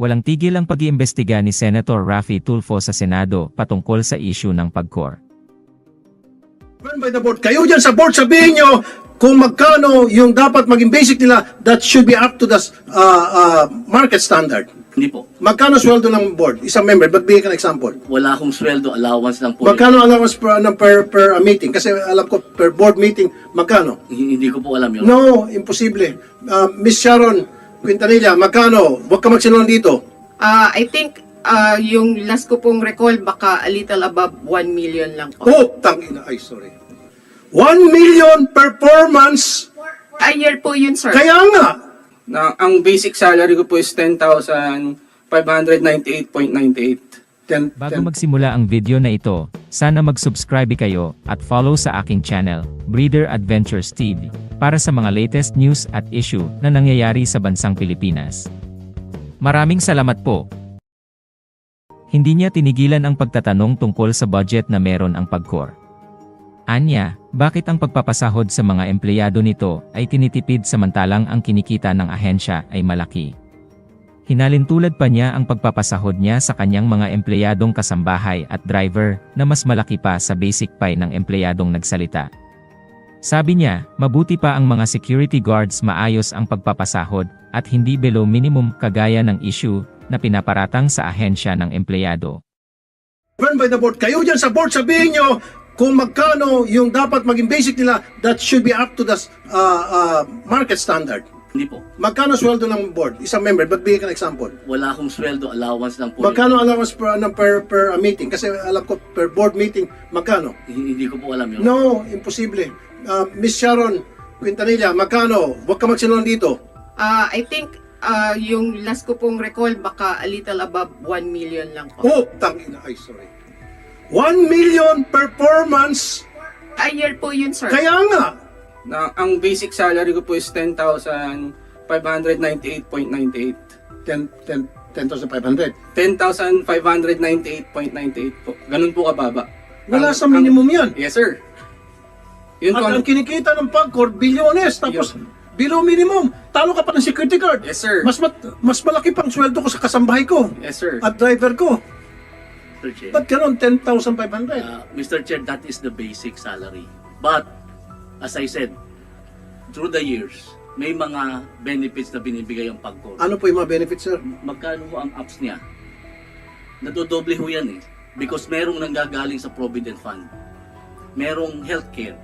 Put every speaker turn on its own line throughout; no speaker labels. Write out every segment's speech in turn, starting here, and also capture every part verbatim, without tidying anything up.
Walang tigil ang pag-iimbestiga ni Senator Raffy Tulfo sa Senado patungkol sa issue ng pagkor.
By the board, kayo dyan sa board, sabihin nyo kung magkano yung dapat maging basic nila that should be up to the uh, uh, market standard.
Hindi po.
Magkano sweldo ng board? Isang member, but bigyan ka ng example.
Wala akong sweldo, allowance lang po.
Magkano allowance per, ano, per, per uh, meeting? Kasi alam ko, per board meeting, magkano?
Hindi, hindi ko po alam yun.
No, imposible. Uh, Miss Sharon Quintanilla, magkano? Huwag ka magsinungaling dito.
Uh, I think uh, yung last ko pong recall, baka a little above one million lang po.
Oh, tangina. Ay, sorry. one million performance.
A year po yun, sir.
Kaya nga.
Na, ang basic salary ko po is ten thousand five hundred ninety-eight point nine eight.
Ten,
Bago
ten.
magsimula ang video na ito, sana mag-subscribe kayo at follow sa aking channel, Breeder Adventures T V, para sa mga latest news at issue na nangyayari sa bansang Pilipinas. Maraming salamat po. Hindi niya tinigilan ang pagtatanong tungkol sa budget na meron ang pagkor. Anya, bakit ang pagpapasahod sa mga empleyado nito ay tinitipid samantalang ang kinikita ng ahensya ay malaki? Hinalintulad pa niya ang pagpapasahod niya sa kanyang mga empleyadong kasambahay at driver na mas malaki pa sa basic pay ng empleyadong nagsalita. Sabi niya, mabuti pa ang mga security guards maayos ang pagpapasahod at hindi below minimum kagaya ng issue na pinaparatang sa ahensya ng empleyado.
By the board, kayo dyan sa board, sabihin nyo kung magkano yung dapat maging basic nila that should be up to the uh, uh, market standard.
Hindi po.
Magkano sweldo ng board? Isang member, but bigyan ka ng example.
Wala akong sweldo, allowance lang po.
Magkano allowance per, ano, per, per uh, meeting? Kasi alam ko, per board meeting, magkano?
Hindi, hindi ko po alam yun.
No, imposible. Uh, Miss Sharon Quintanilla, magkano? Huwag ka magsinungaling dito.
Uh, I think uh, yung last ko pong recall, baka a little above one million lang po.
Oh, tangina. Ay, sorry. one million performance.
A year po yun, sir.
Kaya nga.
Na, ang basic salary ko po is ten thousand five hundred ninety-eight point nine eight.
ten thousand five hundred.
ten thousand five hundred ninety-eight point nine eight po. Ganun po kababa.
Wala
Ang-
sa minimum yan.
ang- Yes, sir. Yun po.
At
ang-
ang kinikita ng pagkor, bilyones. Tapos, below minimum. Talo ka pa ng security guard.
Yes, sir.
Mas mat, mas malaki pang sweldo ko sa kasambahay ko.
Yes, sir.
At driver ko.
Mister Chair.
Ba't ganun? ten thousand five hundred.
Uh, Mister Chair, that is the basic salary. But, as I said, through the years, may mga benefits na binibigay ang pagkor.
Ano po yung mga benefits, sir?
Magkano ho ang apps niya? Nadodoble ho yan eh. Because merong nanggagaling sa Provident Fund. Merong healthcare.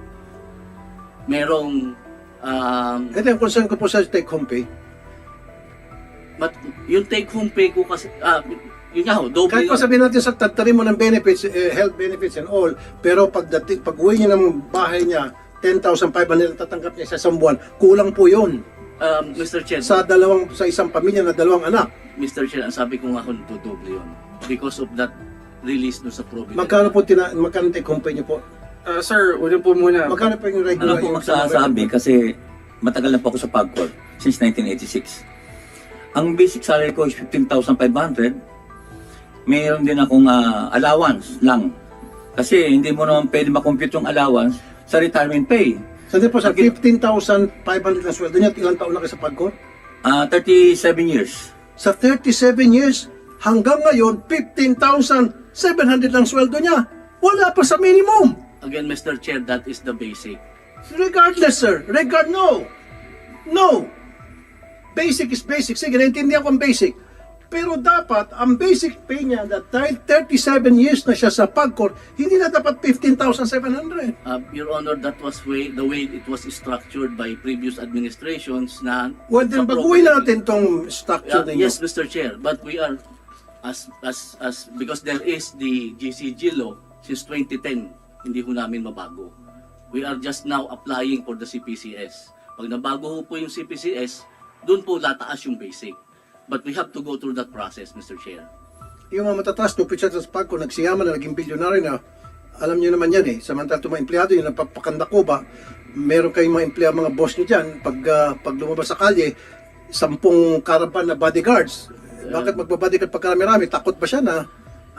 Merong um,
Ito yung concern ko po sa take-home pay.
but yung take home pay ko kasi ah, yun nga ho, doble
Kahit pa
yun.
sabihin natin sa tatarin mo ng benefits, eh, health benefits and all, pero pagdating, pag uwi niya ng bahay niya, ten thousand five hundred ang tatanggap niya sa isang buwan, kulang po yun.
Um, Mister Chair,
Sa dalawang sa isang pamilya na dalawang anak.
Mister Chair, ang sabi ko nga ho, dodoble yun. Because of that release no sa Provident.
Magkano po tina, magkano take-home pay niyo po?
Ah, sir, ulit po muna.
Magkano po yung regular?
Ano po
yung-
magsasabi kasi matagal na po ako sa Pagcor since nineteen eighty-six. Ang basic salary ko is fifteen thousand five hundred. Mayroon din akong ah, allowance lang. Kasi hindi mo naman pwede makompute yung allowance sa retirement pay.
Sandali po, sa
Okay.
fifteen thousand five hundred na sweldo niya, ilang taon na kayo sa pagkor?
Ah, thirty-seven years.
Sa thirty-seven years, hanggang ngayon, fifteen thousand seven hundred lang sweldo niya. Wala pa sa minimum.
Again, Mister Chair, that is the basic.
Regardless, sir. Regard, no. No. Basic is basic. Sige, naintindihan ko ang basic. Pero dapat, ang basic pay niya, that dahil thirty-seven years na siya sa pagkor, hindi na dapat fifteen thousand seven hundred.
Uh, Your Honor, that was way, the way it was structured by previous administrations na...
Well, then,
sa
baguhin
Provident-
natin tong structure
Uh,
ninyo.
yes, Mister Chair, but we are as as as because there is the G C G law since twenty ten, hindi ho namin mabago. We are just now applying for the C P C S. Pag nabago ho po yung C P C S, doon po lataas yung basic. But we have to go through that process, Mister Chair.
Yung mga matataas na opisyal sa pagkor, nagsiyaman na naging bilyonaryo na, alam niyo naman yan eh. Samantala itong mga empleyado, yung napapakanda ko ba, meron kayong mga empleyado, mga boss niyo dyan, pag, ah, pag lumabas sa kalye, sampung karapan na bodyguards. Bakit magbabodyguard pag karami-rami? Takot ba siya na,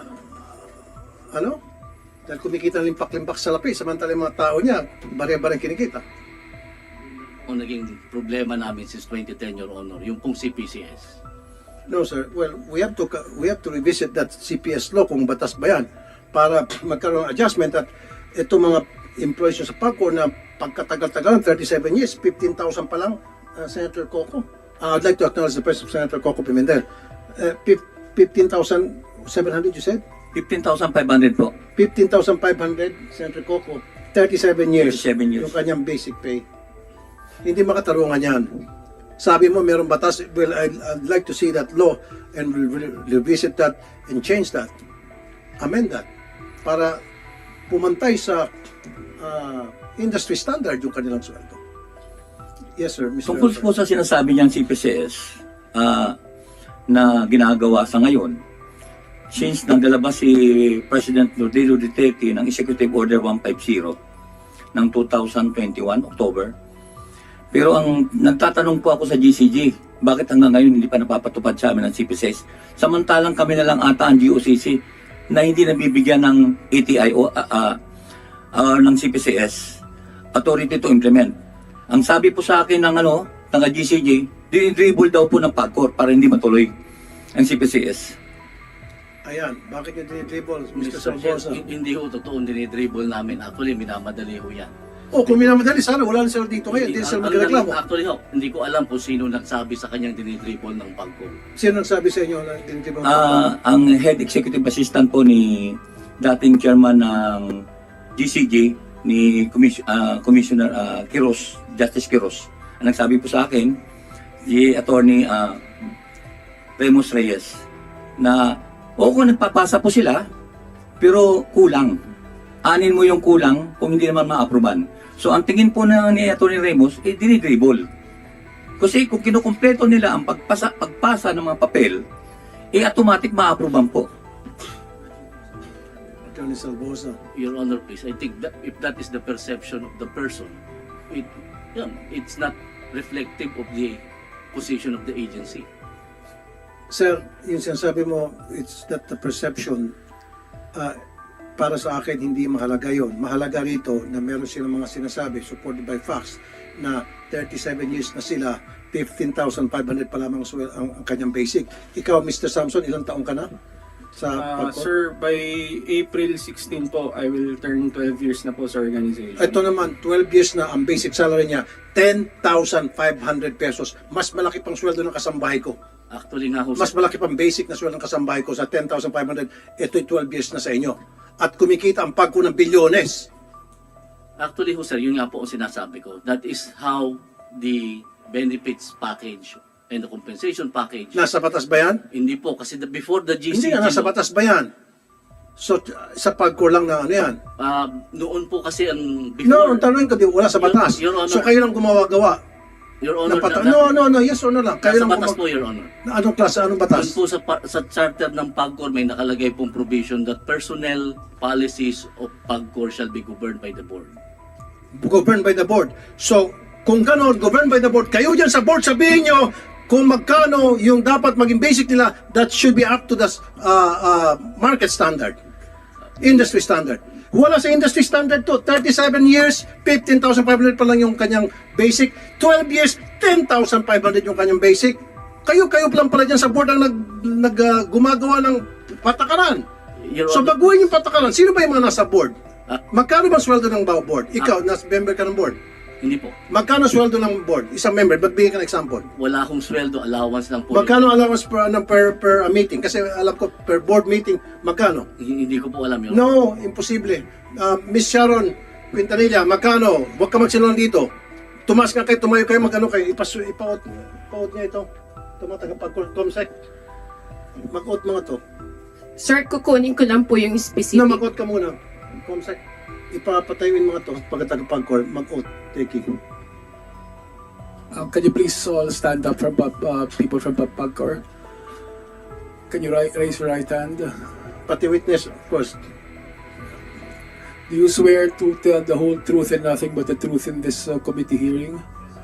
ano? Dahil kumikita ng limpak-limpak sa lapi, samantala yung mga tao niya, barya-barya kinikita.
Ang naging problema namin since twenty ten, Your Honor, yung pong C P C S.
No, sir. Well, we have to we have to revisit that C P S law kung batas ba yan para magkaroon ng adjustment at ito mga employees nyo sa PAGCOR na pagkatagal-tagal, thirty-seven years, fifteen thousand pa lang, uh, Senator Coco. Uh, I'd like to acknowledge the presence of Senator Coco Pimentel. Uh, fifteen thousand seven hundred, you said?
fifteen thousand five hundred po.
fifteen thousand five hundred, Senator Coco. thirty-seven years.
thirty-seven years.
Yung kanyang basic pay. Hindi makatarungan yan. Sabi mo, mayroong batas. Well, I'd, I'd like to see that law and we'll re- revisit that and change that. Amend that. Para pumantay sa uh, industry standard yung kanilang sweldo. Yes, sir. Mister
Tungkol po sa sinasabi niyang C P C S ah, na ginagawa sa ngayon, since naglalabas si President Rodrigo Duterte ng Executive Order one fifty ng two thousand twenty-one, October. Pero ang nagtatanong po ako sa G C G, bakit hanggang ngayon hindi pa napapatupad sa amin ng C P C S? Samantalang kami na lang ata ang G O C C na hindi nabibigyan ng A T I o ah, ah, ah, ng C P C S authority to implement. Ang sabi po sa akin ng ano, ng G C G, dinidribble daw po ng PAGCOR para hindi matuloy ang C P C S.
Ayan, bakit yung dinidribble, Mister
Mister Chair,
Salvosa?
hin- hindi ho totoo dinidribble namin. Actually, minamadali ho yan.
Oh, kung minamadali, sana wala na sila dito ngayon. Hindi
Ang-
sila
ang-
magreklamo.
Actually ho, hindi ko alam kung sino nagsabi sa kanyang dinidribble ng PAGCOR.
Sino nagsabi sa inyo na dinidribble?
Ah, ang head executive assistant po ni dating chairman ng G C G ni Commis- ah, Commissioner ah, Quiros, Justice Quiros. Ang nagsabi po sa akin, si Attorney ah, Remus Reyes, na oo, nagpapasa po sila, pero kulang. Anin mo yung kulang kung hindi naman ma-aproban. So ang tingin po na ni Attorney Remus, eh, dinidribble. Kasi kung kinukumpleto nila ang pagpasa, pagpasa ng mga papel, eh automatic ma-aproban po.
Attorney Salvosa.
Your Honor, please, I think that if that is the perception of the person, it, yan, it's not reflective of the position of the agency.
Sir, yung sinasabi mo, it's not the perception. Uh, para sa akin, hindi mahalaga yon. Mahalaga rito na meron silang mga sinasabi, supported by facts, na thirty-seven years na sila, fifteen thousand five hundred pa lamang swel- ang, ang kanyang basic. Ikaw, Mister Samson, ilang taong ka na? Sa
Ah,
PAGCOR?
sir, by April sixteen po, I will turn twelve years na po sa organization.
Ito naman, twelve years na ang basic salary niya, ten thousand five hundred pesos. Mas malaki pang sweldo ng kasambahay ko.
Actually nga ho,
Mas
sir,
malaki pang basic na sweldo ng kasambahay ko sa ten thousand five hundred. Ito'y twelve years na sa inyo. At kumikita ang PAGCOR ng bilyones.
actually ho, sir, yun nga po ang sinasabi ko. That is how the benefits package and the compensation package.
Nasa batas ba yan?
Hindi po, kasi the, before the G C G,
Hindi nga, nasa
law,
batas ba yan? So, t- sa PAGCOR lang na ano yan?
ah, noon po kasi ang
No,
before,
ang tanongin ko, di, wala sa
Your-
batas.
Your Honor.
So, kayo lang gumawa-gawa.
Your Honor,
ng pata-
na-
no, no, no, yes or no lang. Kayo
nasa
lang
batas
gumag-
po, Your Honor.
Na anong klase, anong
Doon
batas?
po sa, pa- sa charter ng PAGCOR may nakalagay pong provision that personnel policies of PAGCOR shall be governed by the board.
Governed by the board. So, kung gano'n, governed by the board, kayo dyan sa board, sabihin nyo kung magkano yung dapat maging basic nila, that should be up to the uh, uh, market standard. Industry standard. Wala sa industry standard to. thirty-seven years, fifteen thousand five hundred pa lang yung kanyang basic. twelve years, ten thousand five hundred yung kanyang basic. Kayo-kayo lang pala dyan sa board ang nag, nag uh, gumagawa ng patakaran.
Your
So
Honor,
baguhin yung patakaran. Sino ba yung mga nasa board?
Ah.
Magkano ba sweldo ng bawat board? Ikaw, nas member ka ng board.
hindi po.
Magkano sweldo ng board? Isang member, ba't bigyan ka ng example?
Wala akong sweldo, allowance lang po.
Magkano allowance per, ano, per, per uh, meeting? Kasi alam ko, per board meeting, magkano?
Hindi, hindi ko po alam yun.
No, imposible. Uh, Miss Sharon Quintanilla, magkano? Huwag ka magsinungaling dito. Tumas ka kayo, tumayo kayo, magkano kayo? Ipas, ipaot, ipaot niya ito. Tumatagapag-comsec. Mag-out mga to.
Sir, kukunin ko lang po yung specific.
Na, mag-out ka muna. Comsec. Ipapatayuin mga to pagkatagapag-call, mag-out. Taking.
Um, can you please all stand up from Pag- uh, people from Pag- PAGCOR? Can you ri- raise your right hand?
Pati witness, of course.
Do you swear to tell the whole truth and nothing but the truth in this uh, committee hearing?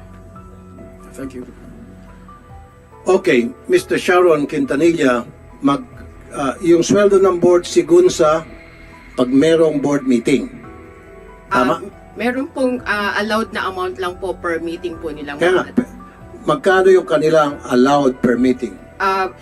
Thank you.
Okay, Mister Sharon Quintanilla, mag, ah, yung sweldo ng board sigun sa pag merong board meeting. Tama?
Ah, meron pong ah, allowed na amount lang po per meeting po nilang
Kaya nga,
mga.
pe- magkano yung kanilang allowed per meeting?
Ah,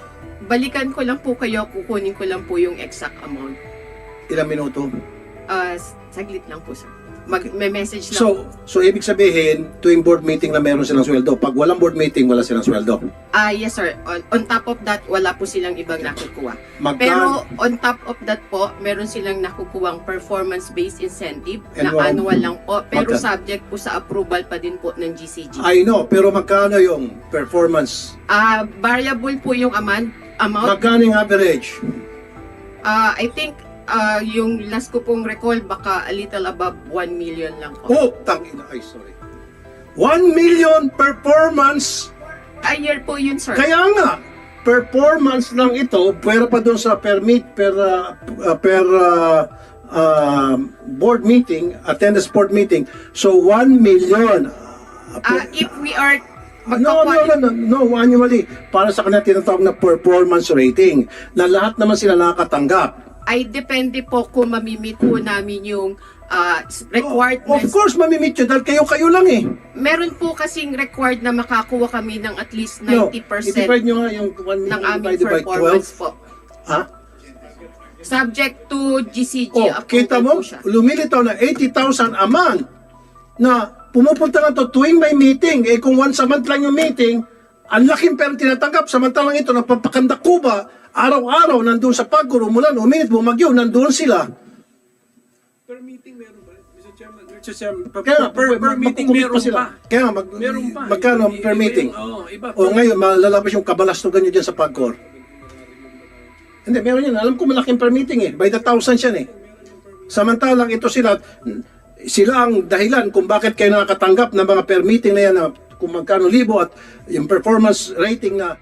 balikan ko lang po kayo, kukunin ko lang po yung exact amount.
Ilang minuto?
Ah, saglit lang po, sir. Mag, may message lang.
So, so ibig sabihin, tuwing board meeting na meron silang sweldo. Pag walang board meeting, wala silang sweldo.
Ah, yes, sir. On, on top of that, wala po silang ibang nakukuha.
Magkano?
Pero on top of that po, meron silang nakukuhang performance-based incentive na
Annual.
annual lang po. Pero
Magkano?
subject po sa approval pa din po ng G C G.
I know, pero magkano yung performance?
Ah, variable po yung amount. amount.
Magkano yung average?
Ah, I think ah, yung last ko pong recall, baka a little above one million lang po.
Oh, tangina. Ay, sorry. one million performance.
A year po yun, sir.
Kaya nga, performance lang ito, pero pa doon sa permit per uh, uh, per uh, uh, board meeting, attendance board meeting. So one million.
Ah, if we are
No, no, no, no, no, annually. Para sa kanila tinatawag na performance rating na lahat naman sila nakakatanggap.
ay depende po kung mamimit po namin yung ah,
Of
requirements.
course, mamimit yun dahil kayo-kayo lang eh.
Meron po kasing required na makakuha kami ng at least
No,
ninety percent
i-divide nyo nga yung one
ng
million
aming
divided by twelve.
performance po.
Ha?
Subject to G C G
Oh,
approval
kita mo,
po siya.
lumilitaw na eighty thousand a month na pumupunta na to tuwing may meeting. Eh kung once a month lang yung meeting, ang laking pera tinatanggap. Samantalang ito, napapakandak ko ba, araw-araw nandun sa pagkuro, mula uminit, bumagyo, nandun sila.
Per meeting meron ba? Mister Chairman, Mister Chairman, per,
Kaya,
per, per meeting
magkukumit
meron pa.
Kaya mag,
Meron pa.
magkano
Iba-
per
iba
meeting?
yung- Oo, iba.
O ngayon, malalabas yung kabalastugan nyo dyan sa pagkor. Hindi, meron yan. Alam ko malaking per meeting eh. By the thousands yan eh. Samantalang ito sila, sila ang dahilan kung bakit kayo nakakatanggap ng mga per meeting na yan na kung magkano libo at yung performance rating na